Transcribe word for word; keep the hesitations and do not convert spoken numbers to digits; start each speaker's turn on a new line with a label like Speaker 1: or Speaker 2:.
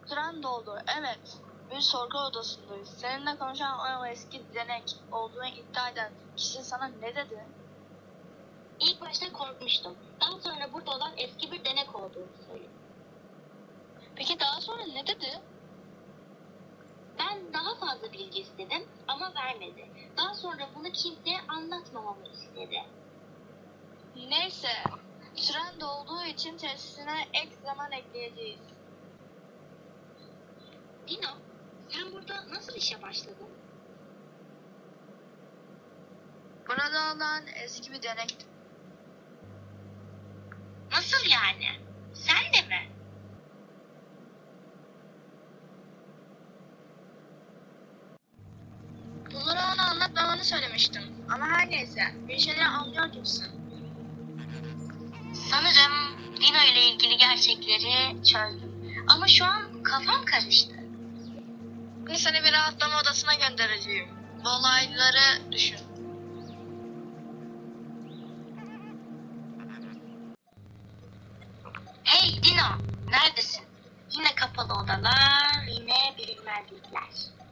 Speaker 1: Süren doldu. Evet. Bir sorgu odasındayız. Seninle konuşan o eski denek olduğunu iddia eden kişi sana ne dedi?
Speaker 2: İlk başta korkmuştum. Daha sonra burada olan eski bir denek olduğunu söyledi.
Speaker 1: Peki daha sonra ne dedi?
Speaker 2: Ben daha fazla bilgi istedim ama vermedi. Daha sonra bunu kimseye anlatmamamı istedi.
Speaker 1: Neyse. Süren dolduğu için tesisine ek zaman ekleyeceğiz.
Speaker 2: Dino, sen burada nasıl işe başladın?
Speaker 1: Burada olan eski bir denekti.
Speaker 2: Nasıl yani? Sen de mi?
Speaker 1: Bunları ona anlatmamanı söylemiştim. Ama her neyse. Bir şeyler anlıyor gibisin.
Speaker 2: Sanırım Dino ile ilgili gerçekleri çözdüm. Ama şu an kafam karıştı.
Speaker 1: Şimdi seni bir rahatlama odasına göndereceğim. Bu olayları düşün.
Speaker 2: Hey Dino, neredesin? Yine kapalı odalar, yine bilinmezlikler.